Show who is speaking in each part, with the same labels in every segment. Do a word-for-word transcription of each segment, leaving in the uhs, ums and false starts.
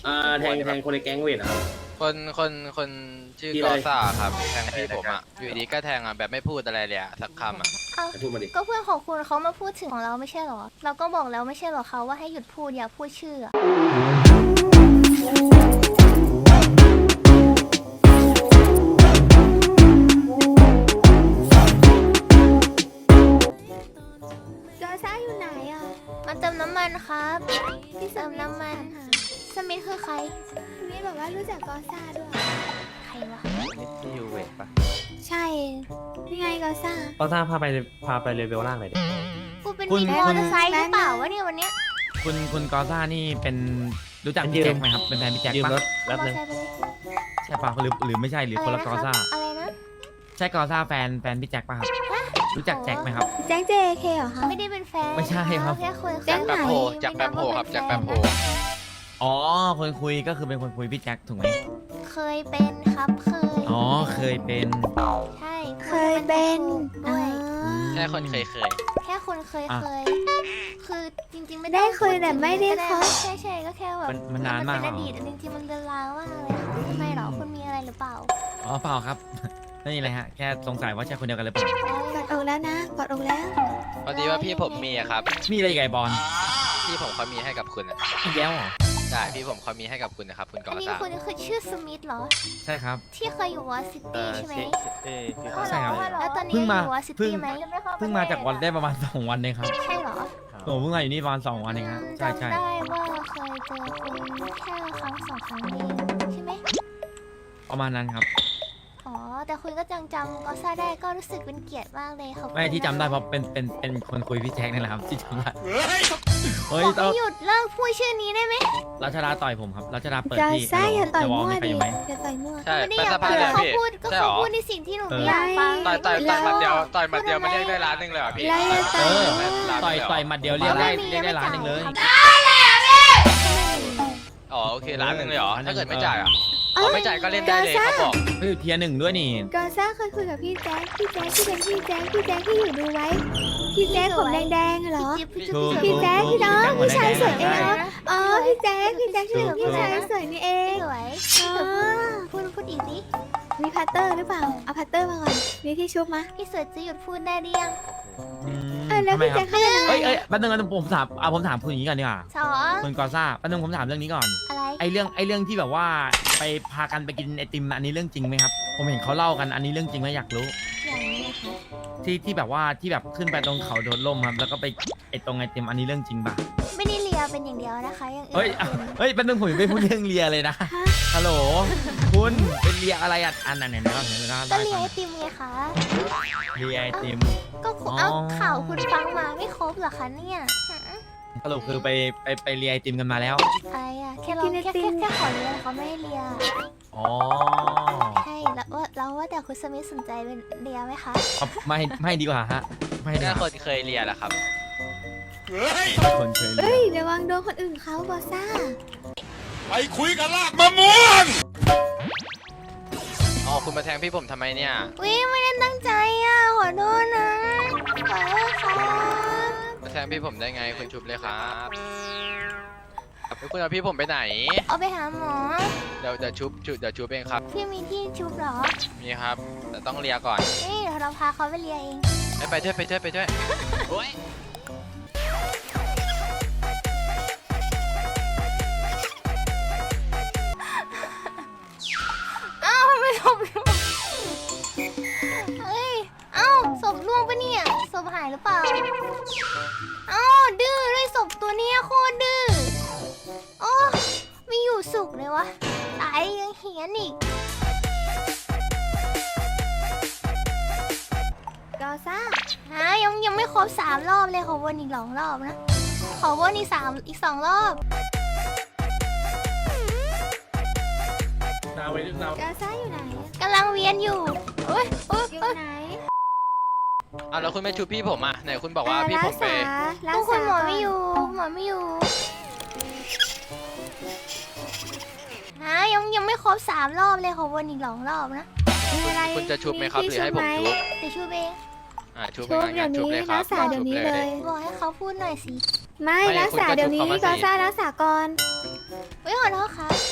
Speaker 1: อ่าแทงแทงคนในแก๊งเวทอ่ะ
Speaker 2: คนคนคนชื่อ
Speaker 1: ที่
Speaker 2: ก
Speaker 1: อะไร
Speaker 2: อซ่าครับแทงพี่ผมอ่ะอยู่ดีก็แทงอ่ะแบบไม่พูดอะไรเลยอ่ะสักคำอ่ะ
Speaker 3: เอ้า
Speaker 1: ไปพูดมาดิ
Speaker 3: ก็เพื่อนของคุณเขามาพูดถึงของเราไม่ใช่เหรอ เราก็บอกแล้วไม่ใช่เหรอเขาว่าให้หยุดพูดอย่าพูดชื่ออะ
Speaker 4: จอซ่าอยู่ไหนอ่ะ
Speaker 3: มาเติมน้ำมันครับที่เติมน้ำมันสมิธคือใคร
Speaker 4: นี่บอกว่ารู้จักกอซ่าด้วย
Speaker 3: ใครวะ
Speaker 2: นี่ที่ยูเวทปะ
Speaker 4: ใช่นี่ไงกอซ่า
Speaker 5: ก็ทราบพาไปพาไปเลเวลล่างหน่อยดิ
Speaker 3: กูเป็น
Speaker 6: คุณ
Speaker 3: มีมอเตอร์ไซค์หรือเปล่าวะเนี่ยวันเนี้ย
Speaker 6: คุณคุณกอซ่านี่เป็นรู้จัก
Speaker 5: ยื
Speaker 6: พี่
Speaker 5: ม
Speaker 6: แจ็คไหมครับเป็นแฟนพี่แจ็ค
Speaker 5: ยืม
Speaker 6: ปะ
Speaker 5: รถแป๊บ
Speaker 3: มอเตอ
Speaker 5: นึ
Speaker 3: ร์
Speaker 5: ง
Speaker 3: ไซค์ไปเลย
Speaker 6: ใช่ปะหรือหรือไม่ใช่หรือคนละกอซ่า
Speaker 3: อะไรนะ
Speaker 6: ใช่กอซ่าแฟนแฟนพี่แจ็คปะครับรู้จักแจ็คไหมครับ
Speaker 4: แจ็คเจเคเหรอคะ
Speaker 3: ไม่ได้เป็นแฟน
Speaker 6: ไม่ใช่ครับ
Speaker 3: แค่คุย
Speaker 4: แจ็
Speaker 2: จาก
Speaker 4: ค
Speaker 2: แป
Speaker 4: ไหน
Speaker 2: มโพจากแปมโพครับจากแปมโพ
Speaker 6: อ๋อคนคุยก็คือเป็นคนคุยพี่แจ็คถูกไหม
Speaker 3: เคยเป็นครับเคย
Speaker 6: อ๋อเคยเป็น
Speaker 3: ใช่
Speaker 4: เคยเป็น
Speaker 3: ด้วย
Speaker 2: แค่คนเคยเคย
Speaker 3: แค่คนเคย
Speaker 6: อ่ะ
Speaker 3: เคย คือจริงๆไม่
Speaker 4: ได้
Speaker 3: ต้อง
Speaker 4: เคยแต่ไม่ได้คบ
Speaker 3: ใช่ใช่ก็แค่แบบ
Speaker 6: มันมันนานมาก
Speaker 3: เป็น
Speaker 6: เหร
Speaker 3: อ
Speaker 6: อ
Speaker 3: ดีตจริงๆมันเดินลางมากเลยค่ะทำไมเหรอคุณมีอะไรหรือเปล่า
Speaker 6: อ๋อเปล่าครับ ไม่มีอะไรฮะแค่สงสัยว่าใช่คนเดียวกันหรือเปล่าก
Speaker 4: อดอกแล้วนะกอดอกแล้ว
Speaker 2: พอดีว่าพี่ผมมีอะครับ
Speaker 6: มีอะไรอีกไก่บอล
Speaker 2: พี่ผมเขามีให้กับคุณอะ
Speaker 6: อีกแล้วเหรอ
Speaker 2: ใช่พี่ผมเขามีให้กับคุณนะครับคุณก
Speaker 3: อั
Speaker 2: อน
Speaker 3: นี้
Speaker 2: ซ่า
Speaker 3: คุณคือชื่อสมิธเหรอ
Speaker 6: ใช่ครับ
Speaker 3: ที่เคยอยู่วอซิตี้ใช่ไหม
Speaker 6: ใช่ครับ
Speaker 3: แล้วตอนนี้
Speaker 6: เพิ่ง
Speaker 3: ยัง
Speaker 6: มา
Speaker 3: อยู่วอซิ
Speaker 6: เพิ่
Speaker 3: ตี้
Speaker 6: ง
Speaker 3: ไหม
Speaker 6: เพิ่งมาจากวันได้ประมาณสองวันเองครับ
Speaker 3: ใช่เหรอ
Speaker 6: ผมเพิ่งมาอยู่นี่ประมาณสองวันเองครับใช่ใช่
Speaker 3: จำได้ว่าเคยเจอคุณแค่ครั้งสองครั้งเองใช่ไหม
Speaker 6: ประมาณนั้นครับ
Speaker 3: อ๋อ แต่คุณก็จังจำก็ซาได้ก็รู้สึกเป็นเกียรติมากเลยขอบคุณ
Speaker 6: ไม่ที่จำได้
Speaker 3: นค
Speaker 6: เพราะเป็นเป็นเป็นคนคุยพี่แจ็คนี่แหละครับที่จำได้เฮ้ย
Speaker 3: บอก
Speaker 6: ต้อง
Speaker 3: ให้หยุดเลิกพูดชื่อนี้ได้ไหม
Speaker 6: รัชดาต่อยผมครับรัชดาเปิด
Speaker 4: จอ
Speaker 6: ที่
Speaker 4: ซ่าอย่าต่อย
Speaker 6: จะวอล
Speaker 4: มั่ว
Speaker 6: มีใคร
Speaker 4: ดิ
Speaker 6: อยู่ไหม
Speaker 4: อย่าต่อยมั่ว
Speaker 2: ใช่
Speaker 3: ไม่ได้
Speaker 2: เป็น
Speaker 3: อยา
Speaker 2: ส
Speaker 3: ก
Speaker 2: ภาพ
Speaker 3: พูด
Speaker 2: เลย
Speaker 3: เขา
Speaker 2: พี่
Speaker 3: พูดก็
Speaker 2: ใช่หร
Speaker 3: เขา
Speaker 2: อ
Speaker 3: พูดในสิ่งที่หนู
Speaker 6: เออ
Speaker 3: ไม่อยากฟัง
Speaker 2: ต่อยต่อยต่อยหมัดเดียวต่อยหมัดเดียวมันเรียกได้ล้านหนึ่งเลยเหรอพี่
Speaker 4: ไล่เลย
Speaker 6: เอ
Speaker 4: ต่อย
Speaker 6: อ
Speaker 4: มั่ว
Speaker 6: ต่อยต่อยหมัดเดียวเรียกได้เรียกได้ล้านหนึ่งเลย
Speaker 2: อ๋อโอเคล้านหนึ่งเลยเหรอถ้าเกิดไม่จ่ายอ่ะ
Speaker 4: เอ้
Speaker 2: อ๋อไม่จ่ายก็เล่นได้เลยเขาบอก
Speaker 6: เฮ้ยเทียร์หนึ่งด้วยนี่
Speaker 4: กอซ่าเคยคุยกับพี่แจ็คพี่แจ็คที่เป็นพี่แจ็คพี่แจ็คที่อยู่ดูไว้พี่แจ็คผมแดงๆเหรอ
Speaker 3: จิ๊บจิ๊บ
Speaker 6: ถูก
Speaker 4: พี่แจ๊คพี่น้อง
Speaker 6: ถูก
Speaker 4: พี่ชายสวย
Speaker 6: ถู
Speaker 4: เอก งเหรออ๋อพี่แจ๊คพี่แจ๊คที่เป็นพี่ชายสวยนี่เอง
Speaker 3: สวย
Speaker 4: อ๋อ
Speaker 3: พูดพูดอีกดิ
Speaker 4: มีพัตเตอร์หรือเปล่าเอาพัตเตอร์มาก่อนมีที่ชุบมะ
Speaker 3: พี่สวยจะหยุดพูดได้หรือยัง
Speaker 6: อืม
Speaker 4: เออแล้ว
Speaker 6: ทำไม
Speaker 4: พี่
Speaker 6: ค
Speaker 4: แจ็
Speaker 6: รั
Speaker 4: ค
Speaker 6: บ
Speaker 4: เขาเป็นอะไร
Speaker 6: เอ้ยเอ้ยแป๊บนึงนะผมถามเอาผมถามคุณอย่างนี้ก่อนดีกว่า
Speaker 3: สอง
Speaker 6: คุณกอซ่าแป๊บนึงผมถามเรื่องนี้ก่อน
Speaker 3: อะไร
Speaker 6: ไอเรื่องไอเรื่องที่แบบว่าไปพากันไปกินไอติมอันนี้เรื่องจริงไหมครับผมเห็นเขาเล่ากันอันนี้เรื่องจริงไหมอยากรู้
Speaker 3: อย่างนี้นะคะ
Speaker 6: ที่ที่แบบว่าที่แบบขึ้นไปตรงเขาโดดร่มครับแล้วก็ไปไอตรงไอติมอันนี้เรื่องจริงป่ะ
Speaker 3: ไม่ได้เลียเป็นอย่างเดียวนะคะอย่างอื่น
Speaker 6: เฮ้ยอ่ะเฮ้ยแป๊บนึงผมยังไม่พูดเรื่องเลียเลยนะ
Speaker 4: ฮะ
Speaker 6: ฮัลโหลคุณเป็นเลียอะไรอ่ะอันนั้นเนี่ยนะครับเห็นไหมครับ
Speaker 3: ก็เลียไอติมไงคะ
Speaker 6: เลียไอติม
Speaker 3: ก็คุณ
Speaker 6: อ๋อ
Speaker 3: เอาข่าวคุณฟังมาไม่ครบเหรอคะเนี่ยฮะ
Speaker 6: สรุปคือไปไปไปเลียไอติมกันมาแล้ว
Speaker 3: อะไรอ่ะแค่เราแค่แค่แค่ขอเลียเขาไม่ให้เลีย
Speaker 6: อ๋อ
Speaker 3: ใช่แล้วว่าเราว่าแต่คุณสมิธสนใจเป็นเลียไหมคะ
Speaker 6: เอาไม่ไม่ดีกว่าฮะไม่ดี
Speaker 2: แค่
Speaker 6: ก
Speaker 2: ค
Speaker 6: ว่าน
Speaker 2: เคยเรียนแหละครับ
Speaker 6: คนเคยเลี
Speaker 4: เอ้
Speaker 6: ย
Speaker 4: ยระวังโดนคนอื่นเขาบอซ่า
Speaker 7: ไปคุยกันลากมะม่วง
Speaker 2: อ๋อคุณมาแทงพี่ผมทำไมเนี่ย
Speaker 3: วิไม่ได้ตั้งใจอ่ะขอโทษนะขอโทษครับ
Speaker 2: มาแทงพี่ผมได้ไงคุณชุบเลยครับแล้วคุณเอาพี่ผมไปไหน
Speaker 3: เอาไปหาหมอ
Speaker 2: เดี๋ยวเดี๋ยวชุบชุบเดี๋ยวชุบเองครับ
Speaker 3: พี่มีที่ชุบเหรอ
Speaker 2: มีครับแต่ต้องเลียก่อน
Speaker 3: เอ้ยเดี๋ยวเราพาเขาไปเลียเอง
Speaker 2: ไปไปด้วยไปด้วยไปด้วยโอ้ย
Speaker 3: เอ้าทำไมศพร่วงเฮ้ยเอ้าศพร่วงปะเนี่ยศพหายหรือเปล่าเอ้าดื้อด้วยศพตัวเนี้ยโคตรดื้อโอ้ไม่อยู่สุขเลยวะตายยังเหียนอีก
Speaker 4: กอซ่า
Speaker 3: ฮะยังยังไม่ครบสามรอบเลยขอวนอีกสองรอบนะ ขอวนอีกสามอีกสองรอบ
Speaker 5: ดาวไว้ดาว
Speaker 4: กอซ่าอยู่ไหน
Speaker 3: กำลังเวียนอยู่โอ้ยโอ้ย
Speaker 4: อยู่
Speaker 3: โอ้ย
Speaker 4: ไหน
Speaker 2: เอาแล้วคุณไม่ชุบพี่ผมอ่ะไหนคุณบอกว่าพี่ผมไป
Speaker 4: รั
Speaker 3: ทุ
Speaker 4: ก
Speaker 3: กค
Speaker 4: ษาน
Speaker 3: หมอ
Speaker 4: ก่
Speaker 3: ไม่อยู่หมอไม่อยู่ฮะยังยังไม่ครบสามรอบเลยขอวนอีกสองรอบนะ
Speaker 4: มีอะไร
Speaker 2: คุณจะชุบไหมครับหรือให้ผมชุบ
Speaker 3: จะช่วยเอง
Speaker 2: อ่าชุบ
Speaker 4: ชุบ
Speaker 2: ไปงั้น
Speaker 4: เดี๋ยว
Speaker 2: ชุบ
Speaker 4: นี้
Speaker 2: เลยครั
Speaker 4: รับ กษาเดี๋ยวนี้เลย
Speaker 3: บอกให้เขาพูดหน่อยสิ
Speaker 4: ไม่
Speaker 2: ไม่
Speaker 4: รักษา
Speaker 2: คุณก็
Speaker 4: เดี๋ยวนี้
Speaker 2: ชุบเขามาสิ
Speaker 4: กอซ่ารักษาก่อน
Speaker 3: เฮ้ยขอโทษครับ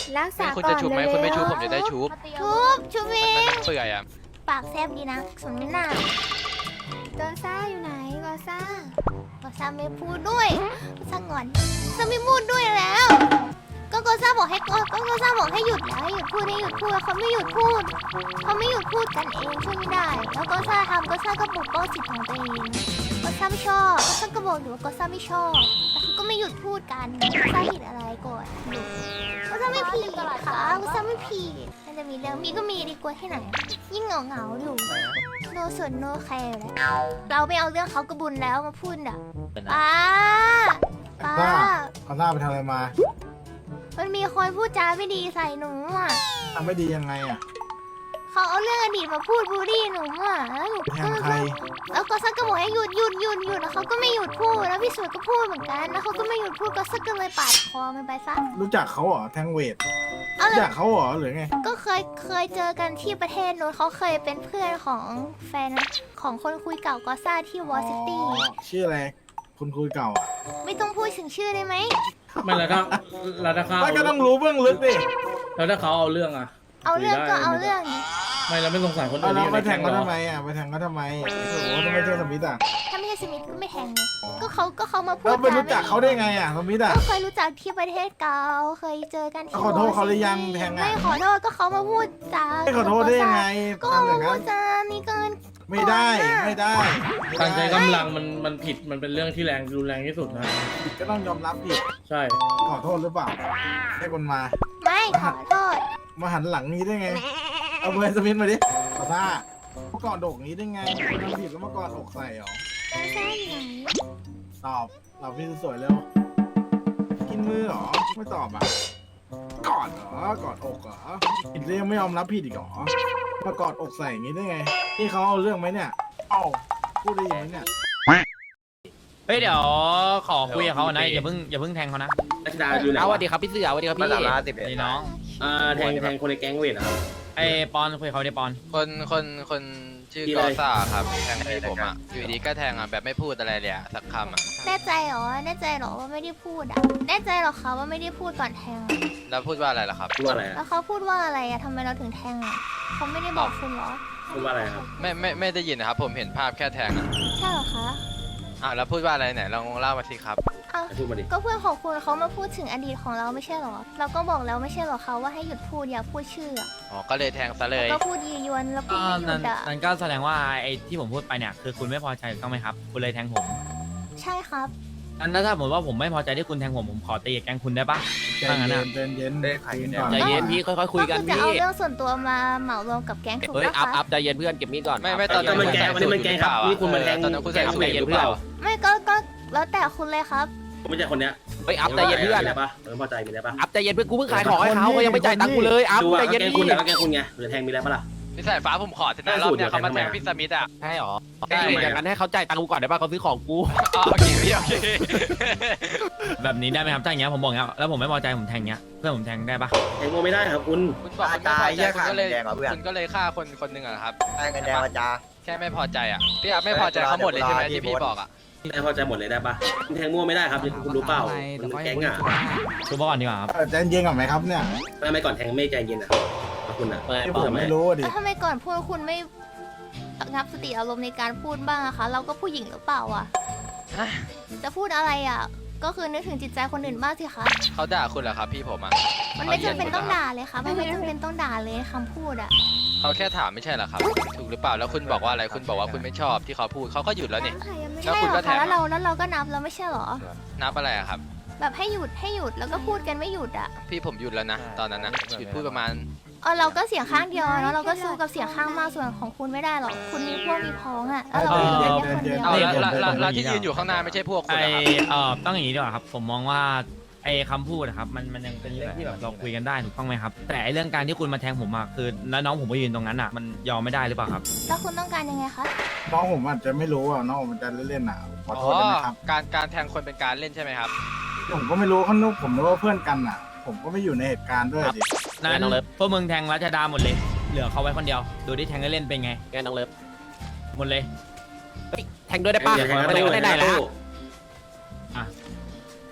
Speaker 4: รักษา
Speaker 2: คุณ
Speaker 4: ก่อ
Speaker 2: จะ
Speaker 4: น
Speaker 2: ชุบไหม
Speaker 4: เร็ว
Speaker 2: คุณไม่ชุบผมจะได้ชุบ
Speaker 3: ชุบชุบเอ
Speaker 2: มัน
Speaker 3: ง
Speaker 2: มันเปื่อยอ่ะ
Speaker 3: ปากแซบดีนะสมน้ำหน้า
Speaker 4: โกซ่าอยู่ไหนโกซ่า
Speaker 3: ก็ซาไม่พูดด้วยก็ซางอนซาไม่พูดด้วยแล้ว ก็โกซ่าบอกให้ก็ก็โกซ่าบอกให้หยุดแล้วให้หยุดพูดให้หยุดพูดเขาไม่หยุดพูดเขาไม่หยุดพูดกันเองช่วยไม่ได้ แล้วโกซ่าทำโกซ่าก็ปกป้องสิทธิ์ของตัวเองโกซ่าไม่ชอบโกซ่าก็บอกอยู่ว่าโกซ่าไม่ชอบแต่เขาก็ไม่หยุดพูดกันโกซ่าผิดอะไรก่อนหยุดโกซ่าไม่ผิดค่ะโกซ่าไม่ผิดมันจะมีเรื่องมีก็มีดีกว่าที่ไหนยิ่งเหงาเหงาๆอยู่โนสนโนแคร์แล้วเราไม่เอาเรื่องเขากระบุญแล้วมาพูดอ่ะป้าป้า
Speaker 8: เอาหน้าไปทำอะไรมา
Speaker 3: มันมีคนพูดจาไม่ดีใส่หนูอ่ะ
Speaker 8: ทำไม่ดียังไงอ่ะ
Speaker 3: เขาเอาเรื่องอดีตมาพูดบูลลี่หนูอ่ะแล้วหนู
Speaker 8: ไปแท
Speaker 3: ก็
Speaker 8: งใคร
Speaker 3: แล้วก็ซักก็บอกให้หยุดหยุดหยุดหยุดแล้วเขาก็ไม่หยุดพูดแล้วพี่สวยก็พูดเหมือนกันแล้วเขาก็ไม่หยุดพูดก็ซักก็เลยปาดคอมันไปซะ
Speaker 8: รู้จักเขาเหรอแทงเวท
Speaker 3: เอา
Speaker 8: รู้
Speaker 3: เล
Speaker 8: จั
Speaker 3: ย
Speaker 8: กเขาเหรอหรือไง
Speaker 3: ก็เคยเคยเจอกันที่ประเทศนู้นเขาเคยเป็นเพื่อนของแฟนของคนคุยเก่ากอซ่าที่วอซิตี้
Speaker 8: อ๋อชื่ออะไรคุณคุยเก่าอ่ะ
Speaker 3: ไม่ต้องพูดถึงชื่อได้ไหม
Speaker 5: ไม่แล้วถ้าแล้วถ้าเขา
Speaker 8: ไม่ก็ต้องรู้เบื้องลึกดิ
Speaker 5: แล้วถ้าเขาเอาเรื่องอะ
Speaker 3: เอาเรื่องก็เอาเรื่องดิ
Speaker 5: ไม่แล้วไม่สงสารคน
Speaker 8: เอา
Speaker 5: อื่น
Speaker 8: แล้ว
Speaker 5: ที่อยู่
Speaker 8: ไป
Speaker 5: ใน
Speaker 8: แท
Speaker 5: แก๊
Speaker 8: ง
Speaker 5: ง
Speaker 8: เขา
Speaker 5: เหรอ
Speaker 8: ทำไมอ่ะไปแทงเขาทำไมโอ้โหถ้าไม่ใช่สมิธอ่ะ
Speaker 3: ถ้าไม่ใช่สมิธก็ไม่แทงไงก็เขาก็เขามาพูด
Speaker 8: แล้วไป
Speaker 3: จา
Speaker 8: รู้จักเขาได้ไงอ่ะสมิธอ่ะ
Speaker 3: ก็เคยรู้จักที่ประเทศเกาเคยเจอกันที่
Speaker 8: ขอโทษเขาหรือยังแทงอะ
Speaker 3: ไม่ขอโทษก็เขามาพูดจา
Speaker 8: ไม่ขอโทษได้ยังไง
Speaker 3: ก็
Speaker 8: ทำอ
Speaker 3: มา
Speaker 8: ย่าง
Speaker 3: พู
Speaker 8: นั้
Speaker 3: ด
Speaker 8: น
Speaker 3: จานี่เกิน
Speaker 8: ไม่ได้ไม่ได้ไม่ได้
Speaker 5: การใช้กำลังมันมันผิดมันเป็นเรื่องที่แรงรุนแรงที่สุดนะ
Speaker 8: ผิดก็ต้องยอมรับผิด
Speaker 5: ใช่
Speaker 8: ขอโทษหรือเปล่าให้คนมา
Speaker 3: ไม่ขอโทษ
Speaker 8: มาหันหลังนี้ได้ไง เอาเบอร์สมิธมาดิขอท่าเมื่อก่อนโดกนี้ได้ไงทำผิดแล้วเมื่อก่อนอกใส่เหรอ
Speaker 3: เจอแซ่อยู่ไหน
Speaker 8: ตอบตอบพี่สวยๆเร็วกินมือเหรอไม่ตอบอ่ะกอดเหรอกอดอกเหรอผิดเรื่องไม่ยอมรับผิดอีกเหรอมากอดอกใส่อย่างนี้ได้ไงนี่เขาเอาเรื่องไหมเนี่ยเอ้าพูดได้ยังไงเนี่ย
Speaker 6: เฮ้ยเดี๋ยวขอคุยกับเขานะอย่าเพิ่งอย่าเพิ่งแทงเขานะ
Speaker 1: รัชดาอยู่ไหน
Speaker 6: เอาส
Speaker 1: วะ
Speaker 6: วัสดีครับพี่เสือสวัสดีครับพี่นี่น้อง
Speaker 1: อ่าแทงแทงคนในแก๊งเวทอะครับ
Speaker 6: ไอ้ปอนคุยกับเขาดิปอน
Speaker 2: คนคนคนชื่อ
Speaker 1: ที่
Speaker 2: ก
Speaker 1: ไร
Speaker 2: อซ่าครับแทงพี่ผมอ่ะอยู่ดีก็แทงอ่ะแบบไม่พูดอะไรเลยอ่ะสักคำอ่ะ
Speaker 3: แน่ใจเหรอแน่ใจเหรอว่าไม่ได้พูดอ่ะแน่ใจเหรอคะว่าไม่ได้พูดก่อนแทงอะ
Speaker 2: แล้วพูดว่าอะไรล่ะครับ
Speaker 1: พูดว่าอะไรอะ
Speaker 3: แล้วเขาพูดว่าอะไรอะทำไมเราถึงแทงอะเขาไม่ได้บอกคุณเหรอ
Speaker 1: พูดว่าอะไรครับ
Speaker 2: ไม่ไม่ไม่ได้ยินนะครับ ผมเห็นภาพแค่แทงอ่ะ
Speaker 3: ใช่เหรอคะ
Speaker 2: อ่ะแล้วพูดว่าอะไรไหนลองเล่ามาสิครับ
Speaker 3: อ้าว
Speaker 1: พูดมาดิ
Speaker 3: ก็เพื่อนของคุณเขามาพูดถึงอดีตของเราไม่ใช่เหรอ เราก็บอกแล้วไม่ใช่เหรอคะว่าให้หยุดพูดอย่าพูดชื่ออะ
Speaker 2: อ๋อก็เลยแทงซะเลย
Speaker 3: ก็พูดยียวนแล้วพูด
Speaker 6: อ่า
Speaker 3: ไม่หยุ
Speaker 6: นั่
Speaker 3: ด
Speaker 6: น
Speaker 3: อะ
Speaker 6: นั่นก็แสดงว่าไอ้ที่ผมพูดไปเนี่ยคือคุณไม่พอใจถูกต้องไหมครับคุณเลยแทงผม
Speaker 3: ใช่ครับ
Speaker 6: อันนั้นถ้าสมมติว่าผมไม่พอใจที่คุณแทงผมผมขอตีกับแกงคุณได้ปะ
Speaker 8: ใจ
Speaker 6: ถ้างั้น
Speaker 8: เย็
Speaker 6: อะ
Speaker 8: นใจเย็นคุยก่อน
Speaker 6: ใจเย็นพี่ค่อยๆคุยกัน
Speaker 3: ก็คือจะ
Speaker 6: พี่
Speaker 3: เอาเรื่องส่วนตัวมาเหมารวมกับแก๊งถูก
Speaker 6: เฮ้ย
Speaker 3: ปะ
Speaker 6: อัพอั
Speaker 3: คะ
Speaker 6: พใจเย็นเพื่อนเก็บมีดก่อน
Speaker 2: ไม่ไม่ตอน
Speaker 1: ก็
Speaker 2: นั้น
Speaker 1: มันแก๊งวันนี้มันแก๊งครับนี่คุณมาแทง
Speaker 2: ตอนนั้นคุณใส่
Speaker 1: แก๊ง
Speaker 2: สู
Speaker 1: เว
Speaker 2: ท
Speaker 1: ท
Speaker 2: อ
Speaker 1: ห
Speaker 2: ยู่
Speaker 1: รือ
Speaker 2: เป
Speaker 1: เป
Speaker 2: ล่า
Speaker 1: ล่า
Speaker 3: ไม่ก็ก็แล้วแต่คุณเลยครับ
Speaker 1: ผมไม่ใช่คนเนี้ย
Speaker 6: เฮ้ยอัพใจเย็นเพื่อน
Speaker 1: มีอะไรปะเออพอใจมีอะไรปะ
Speaker 6: อัพใจเย็นเพื่อนกูเพิ่งขายของให้เขาเขายังไม่จ่ายตังค์กูเลยอัพ
Speaker 1: ดูว่า
Speaker 6: ใจ
Speaker 1: แก
Speaker 6: เย็น
Speaker 1: งคุณ
Speaker 6: พี่
Speaker 1: อะแกงคุณไงหรือแทงมีอะไรปะล่ะ
Speaker 2: พี่สายฟ้าผมขอเถอะนะ
Speaker 1: ได้
Speaker 2: รอ
Speaker 1: สู
Speaker 2: บ
Speaker 1: ตร
Speaker 2: เนี้ยเขามา
Speaker 1: เดี๋
Speaker 2: แท
Speaker 1: ยว
Speaker 2: ง
Speaker 1: แทง
Speaker 2: พี่สมิธอ่ะ
Speaker 6: ใช่หรอ
Speaker 2: ใช่
Speaker 6: อย่างนั้นให้เขาจ่ายตังค์กูก่อนได้ป่ะเขาซื้อของกู
Speaker 2: อ๋อโอเคพี่โอเค
Speaker 6: แบบนี้ได้ไหมครับถ้าอย่างเงี้ยผมบอกอย่างเงี้ยแล้วผมไม่พอใจผมแทงเงี้ยเพื่อนผมแทงได้ปะ
Speaker 1: แทงโมไม่ได้ครับคุณ
Speaker 2: คุณบอกคุณไม่พอใจคุณก็เลยคุณก็เลยฆ่าคนคนหนึ่งอะครับ
Speaker 9: ได้เงินแดงมาจ้า
Speaker 2: แค่ไม่พอใจอ่ะพี่อาไม่พอใจเขาหมดเลยใช่ไหมที่พี่บอกอ่ะ
Speaker 1: ไม่พอใจหมดเลยได้ปะคุณแทงมั่วไม่ได้ครับคุณรู้เปล่ามันแก๊งอะ
Speaker 6: ชูมาก่อนดีกว่าครับ
Speaker 8: เออใจเย็นก่อนไหมครับเนี่ย
Speaker 1: ไม่ไม่ก่อนแทงไม่ใจเย็นนะครับคุณอะ
Speaker 8: ที่ผมไม่รู้อะดิ
Speaker 3: แล้วทำไมก่อนพูดคุณไม่งับสติอารมณ์ในการพูดบ้างอะคะ เราก็ผู้หญิงหรือเปล่าอะจะพูดอะไรอะก็คือนึกถึงจิตใจคนอื่นบ้างสิคะ
Speaker 2: เขาด่าคุณเหรอครับพี่ผมอ่ะ
Speaker 3: มันไม่จำเป็นต้องด่าเลยค่ะมันไม่จำเป็นต้องด่าเลยคำพูดอะ
Speaker 2: เขาแค่ถามไม่ใช่เหรอครับ ถูกหรือเปล่าแล้วคุณบอกว่าอะไรคุณบอกว่าคุณไม่ชอบที่เขาพูดเขาก็หยุดแล้วนี่
Speaker 3: ใช่เหรอคะแล้วเราแล้วเราก็นับแล้วไม่ใช่เหรอ
Speaker 2: นับอะไรอะครับ
Speaker 3: แบบให้หยุดให้หยุดแล้วก็พูดกันไม่หยุดอะ
Speaker 2: พี่ผมหยุดแล้วนะตอนนั้นนะหยุดพูดประมาณ
Speaker 3: เออเราก็เสียงข้างเดียวแล้วเราก็สู้กับเสียงข้างมากส่วนของคุณไม่ได้หรอกคุณมีพวกมีพ้องอะแล้วเราก็อยู่กันแค่คนเดียว
Speaker 2: เอาแล้วแล้วแล้วที่ยืนอยู่ข้างหน้าไม่ใช่พวกคุ
Speaker 6: ไอ
Speaker 2: ณนะครับ
Speaker 6: เอ่อต้องอย่างนี้ดีกว่าครับ ผมมองว่าไอคำพูดนะครับมันมันยังเป็นเรื่องที่แบบเราคุยกันได้ถูกต้องไหมครับ แต่ไอเรื่องการที่คุณมาแทงผมอะคือแล้วน้องผมไปยืนตรงนั้นอะมันยอมไม่ได้หรือเปล่าครับ
Speaker 3: แล้วคุณต้องการยังไงคะ
Speaker 8: น้องผมอาจจะไม่รู้อ่ะน้องผมจะเล่นๆอ่ะขอ
Speaker 2: อ๋
Speaker 8: โท
Speaker 2: อ
Speaker 8: ษด้วยนะครับ
Speaker 2: การการแทงคนเป็นการเล่นใช่ไหมครับ
Speaker 8: ผมก็ไม่รู้เขานึกผมนึกว่าเพื่อนกันอ่ะ ผมก็ไม่อยู่ในเหตุการณ์ด้วยดิ
Speaker 6: นั้นพวกมึงแทงรัชดาหมดเลย เหลือเขาไว้คนเดียว ดูที่แทงเล่นๆเป็นไงแกน้องเลิฟหมดเลยเฮ้ยแทงด้วยได้ปะ
Speaker 1: อย่าแทง
Speaker 6: ไม่ได้ก็ได้ได้แล้ว
Speaker 8: พ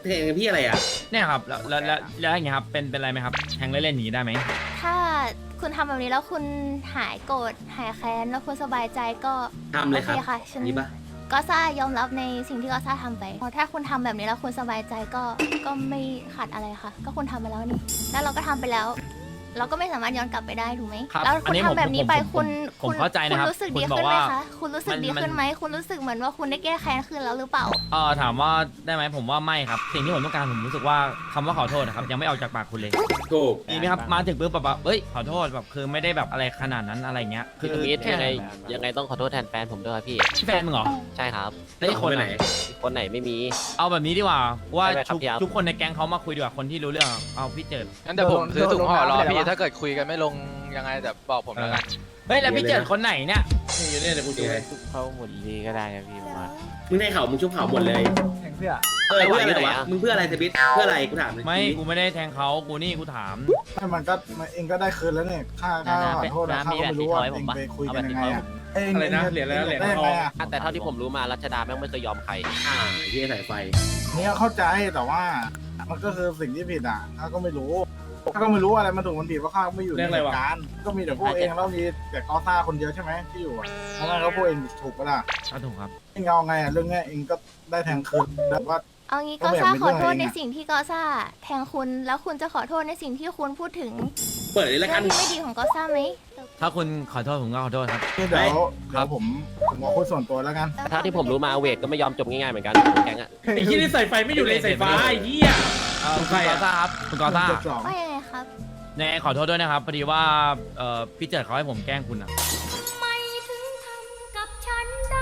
Speaker 1: แทงพี่อะไรอ่ะ
Speaker 6: เนี่ยครับแล้วแล้วแล้วแล้วอย่างเงี้ยครับเป็นเป็นไรไหมครับแทงเล่นๆอย่างงี้ได้ไหม
Speaker 3: ถ้าคุณทำแบบนี้แล้วคุณหายโกรธหายแค้นแล้วคุณสบายใจก็
Speaker 1: ทำเลยครับ
Speaker 3: โอค่ะฉัน
Speaker 1: นี่ปะ
Speaker 3: ก็ซ่ายอมรับในสิ่งที่ก็ซ่าทำไปเพราะถ้าคุณทำแบบนี้แล้วคุณสบายใจก็ก็ไม่ขัดอะไรค่ะ ก็คุณทำไปแล้วนี่แล้วเราก็ทำไปแล้ว เราก็ไม่สามารถย้อนกลับไปได้ถูกไหม
Speaker 6: ครับ
Speaker 3: แล้ว
Speaker 6: อั
Speaker 3: คุณ
Speaker 6: นี้
Speaker 3: ทำ
Speaker 6: ผม
Speaker 3: แบบนี้
Speaker 6: ผม
Speaker 3: ไป
Speaker 6: ผม
Speaker 3: คุณ
Speaker 6: ผม
Speaker 3: คุณ
Speaker 6: เข้าใจนะครับ
Speaker 3: คุณรู้สึก
Speaker 6: คุณ
Speaker 3: ดี
Speaker 6: บอก
Speaker 3: ขึ้นไหม
Speaker 6: ว่า
Speaker 3: คะคุณรู้สึก
Speaker 6: มัน
Speaker 3: ดี
Speaker 6: มัน
Speaker 3: ขึ้นไหมคุณรู้สึกเหมือนว่าคุณได้แก้แค้นคืนแล้วหรือเปล่า
Speaker 6: เออถามว่าได้ไหมผมว่าไม่ครับ สิ่งที่ผมต้องการผมรู้สึกว่าคำว่าขอโทษนะครับยังไม่ออกจากปากคุณเลย
Speaker 1: ถูก
Speaker 6: ดีไหมครับมาถึงปุ๊บแบบว่าเอ้ยขอโทษแบบคือไม่ได้แบบอะไรขนาดนั้นอะไรเงี้ยคื
Speaker 9: พี่
Speaker 6: อ
Speaker 9: มิตร
Speaker 6: แค่
Speaker 9: ยังไงยังไงต้องขอโทษแทนแฟนผมด้วยครับพี่
Speaker 6: แฟนมึงเหรอ
Speaker 9: ใช่ครับ
Speaker 6: แล้วอีกคนไหน
Speaker 9: คนไหนไม่มี
Speaker 6: เอาแบบนี้ดีกว่าว่า
Speaker 9: ได้ไหมครับ
Speaker 6: ทุก
Speaker 9: พี่อัพ
Speaker 6: ทุกคนในแก๊งเขามาคุยดีกว่าคนที่รู้เรื่องเอาพี่เจิด
Speaker 2: งั้นเดี๋ยวผมซื้อถุงห่อรอ
Speaker 8: โดนลงน้ำไป
Speaker 2: พี่
Speaker 8: แล้ววะ
Speaker 2: ถ้าเกิดคุยกันไม่ลงยังไงเดี๋ยวบอกผมแล้วกัน
Speaker 6: เฮ้ยแล้วพี่เจิดคนไหนเนี่ย
Speaker 5: นี่อยู่เนี่ยเดี๋ยวกูดูให้
Speaker 9: เข้าหมดดีก็ได้นะพี่มา
Speaker 1: มึงให้เขามึงชุบเขาหมดเลย
Speaker 5: แทงเพื่อ
Speaker 1: เออเพื่ออะไร
Speaker 9: ไหน
Speaker 1: วะ
Speaker 9: อะ
Speaker 1: มึงเพื่ออะไรเซบิสเพื่ออะไรกูถามเลย
Speaker 6: ไม่กูไม่ได้แทงเขากูนี่กูถาม
Speaker 8: ไม่มันก็มันเองก็ได้คืนแล้วเนี่ยค่าค่าขอโทษนะค่าก็ไม่รู้ว่าเองไปคุยกันยังไงอะเอง
Speaker 5: อะไรนะเหรียญอะไรนะเหรียญ
Speaker 8: ได้
Speaker 5: ท
Speaker 8: ยัง
Speaker 5: อ
Speaker 8: ไง
Speaker 5: ง
Speaker 8: อะ
Speaker 9: แต่เท่าที่ผมรู้มารัชดาแม่งไม่เคยยอมใคร
Speaker 1: อ่าที่สายไฟ
Speaker 8: เนี่ยเข้าใจแต่ว่า มันก็คือสิ่งที่ผิดอ่ะข้าก็ไม่รู้ข้าก็ไม่รู้อะไรมันถูกมันผิดเพราะข้าไม่อยู่ในเหตุการณ์ก็มีแต่พวกเองแล้วมีแต่กอซ่าคนเดียวใช่ไหมที่อยู่อะเพราะงั้นก็พวกเองถูกปะล่ะ
Speaker 6: ก็ถูกครับ
Speaker 8: เองเอาไงอ่ะเรื่องเนี้ยเองก็ได้แทงคืนแต่ว่า
Speaker 3: เอางี้
Speaker 8: ก็
Speaker 3: ก็
Speaker 8: แบบ
Speaker 3: ซ่า
Speaker 8: เป็น
Speaker 3: ขอโทษ
Speaker 8: เรื่อง
Speaker 3: ใน
Speaker 8: เองอะ
Speaker 3: สิ่งที่ก็ซ่าแทงคุณแล้วคุณจะขอโทษในสิ่งที่คุณพูดถึง
Speaker 1: เปิดเลยละ
Speaker 3: เรื่
Speaker 1: กั
Speaker 3: อน งที่ไม่ดีของก็ซ่าไหม
Speaker 6: ถ้าคุณขอโทษผมก็ขอโทษครับ
Speaker 8: เดี๋ยวเดี๋ยวผมผมบอกคุยส่วนตัวแล้วกัน
Speaker 9: เท่าที่ผมรู้มาเวทก็ไม่ยอมจบง่ายๆเหมือนกันแก๊งอะ
Speaker 5: ไอ้ที่นี่ใส่ไฟไม่อยู่ในสายฟ้าไอ้เหี้ย
Speaker 6: เอ่อคุณกอซ่าครับคุณกอซ่า
Speaker 8: เจ็ดสอง
Speaker 3: ว่ายังไงครับ
Speaker 6: ในขอโทษด้วยนะครับพอดีว่าเอ่อพี่เจิดเขาให้ผมแกล้งคุณอ่ะ
Speaker 3: ไม่ถึงทำกับฉันได้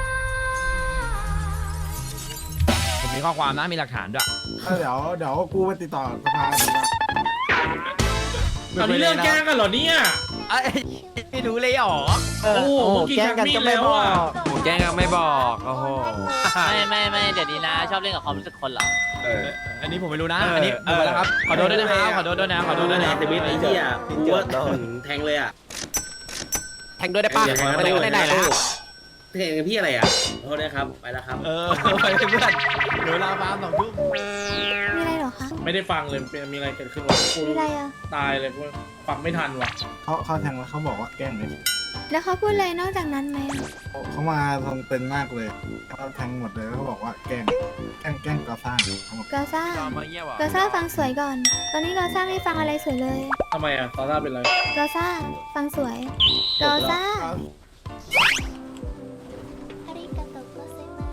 Speaker 6: ผมมีข้อความนะมีหลักฐานด้วย
Speaker 8: เดี๋ยวเดี๋ยวกูไปติดต่อสภาดีกว่า
Speaker 5: ตอนนี้เรื่องแกล้งกันเหรอเนี่ย
Speaker 6: เอ้ยไม่รู้เลยเหรอ
Speaker 5: โอ้โหเมื่อกี้ชักมีดแล้วอ่ะ
Speaker 9: แก๊งไม่บอกโอ้โห
Speaker 10: ไม่ไม่ไม่เดี๋ยวนี้นะ ชอบเล่นกับความรู้สึกคนเหรอ
Speaker 1: เออ
Speaker 6: อันนี้ผมไม่รู้นะอันนี้ดูมาแล้วครับขอโทษด้วยนะครับขอโทษด้วยนะขอโทษด้วยนะ
Speaker 1: เซบิสไอ้เหี้ยกูว่าแทงเลยอ่ะ
Speaker 9: แทงด้วยได้ปะ
Speaker 1: เดี๋ยว
Speaker 9: ไม่ได้ไม่ได้แล้ว
Speaker 1: แทงพี่อะไรอ่ะโทษนะครับไปแล้วครับ
Speaker 6: เออไปเพื่อนเหลือเวลาฟาร์มสองทุ่ม
Speaker 4: มีอะไรเหรอคะ
Speaker 5: ไม่ได้ฟังเลยเป็นมีอะไรเกิดขึ้นวะกู
Speaker 4: มีอะไรอ่ะ
Speaker 5: ตายเลยกูฟังไม่ทันว่ะ
Speaker 8: เขาเขาแทงแล้วเขาบอกว่าแกล้งเลย
Speaker 4: แล้วเขาพูดอะไรนอกจากนั้นไหมอะ
Speaker 8: เขามาทรงเป็นมากเลยเขาแทงหมดเลยแล้วเขาบอกว่าแกล้งแกล้งแกล้งกอซ่าเขาบอก
Speaker 4: กาซ่า
Speaker 6: มาเยี่ยวอ่ะ
Speaker 4: กาซ่าฟังสวยก่อน ตอนนี้กาซ่าไม่ฟังอะไรสวยเลย
Speaker 5: ทำไมอ่ะตอนแรกเป็นไร
Speaker 4: กาซ่าฟังสวยกาซ่า
Speaker 3: อาริกาโตโกเซมา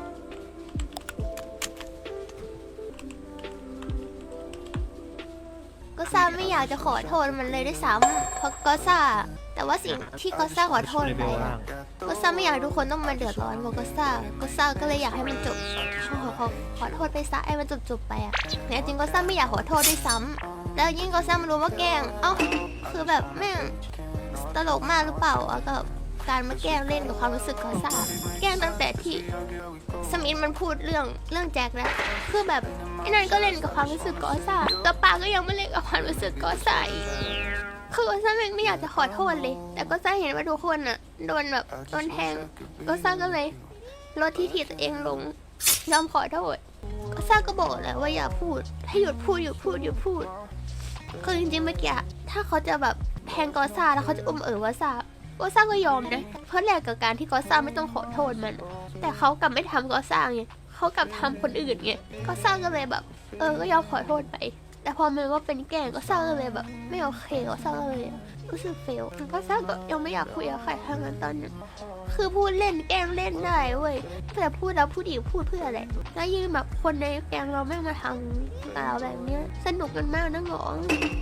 Speaker 3: ก็ซ่าไม่อยากจะขอโทษมันเลยด้วยซ้ำเพราะก็ซ่า แต่ว่าสิ่งที่ก็ซ่าขอโทษไปอะก็ซ่าไม่อยากให้ทุกคนต้องมาเดือดร้อนกับก็ซ่าก็ซ่าก็เลยอยากให้มันจบขอขอขอโทษไปซะให้มันจบจบๆไปอะแต่จริงก็ซ่าไม่อยากขอโทษด้วยซ้ำแล้วยิ่งก็ซ่ามารู้ว่าแกล้งเอ้าคือแบบแม่งตลกมากหรือเปล่าอะกับการมาแกล้งเล่นกับความรู้สึกก็ซ่าแกล้งตั้งแต่ที่สมิธมันพูดเรื่องเรื่องแจ็คแล้วคือแบบไอ้นั่นก็เล่นกับความรู้สึกก็ซ่ากับปาก็ยังไม่เล่นกับความรู้สึกก็ซ่าอีก คือก็ซ่าไม่อยากจะขอโทษเลย แต่ก็ซ่าเห็นว่าทุกคนอ่ะโดนแบบโดนแทง ก็ซ่าก็เลยลดที่ทีตัวเองลงยอมขอโทษ ก็ซ่าก็บอกแล้วว่าอย่าพูด ให้หยุดพูดหยุดพูดหยุดพูด คือจริงๆเมื่อกี้ถ้าเขาจะแบบแทงกอซ่าแล้วเขาจะอุ้มเอ๋อว่าซ่าก็ซ่าก็ยอมนะ เพราะแลกกับการที่กอซ่าไม่ต้องขอโทษมัน แต่เขากลับไม่ทำกอซ่าไงเขากลับทำคนอื่นไงก็ซ่าก็เลยแบบ เออ ก็ยอมขอโทษไป แต่พอมันว่าเป็นแกล้งก็ซ่าก็เลยแบบ ไม่โอเคก็ซ่าก็เลยรู้สึกเฟลก็ซ่าก็ยังไม่อยากคุยกับใครทั้งนั้นตอนนั้นคือพูดเล่นแกล้งเล่นได้เว้ยแต่พูดแล้วพูดอีกพูดเพื่ออะไรแล้วยิ่งแบบคนในแกงเราไม่มาทำกับเราแบบเนี้ยสนุกกันมากนะหงอง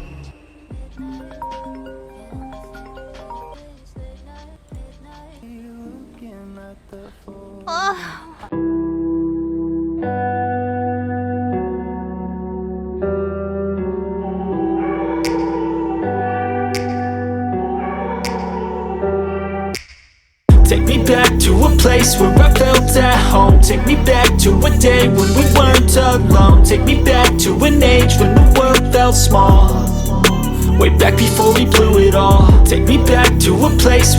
Speaker 3: โอ้
Speaker 11: Take me back to a place where I felt at home. Take me back to a day when we weren't alone. Take me back to an age when the world felt small. Way back before we blew it all. Take me back to a place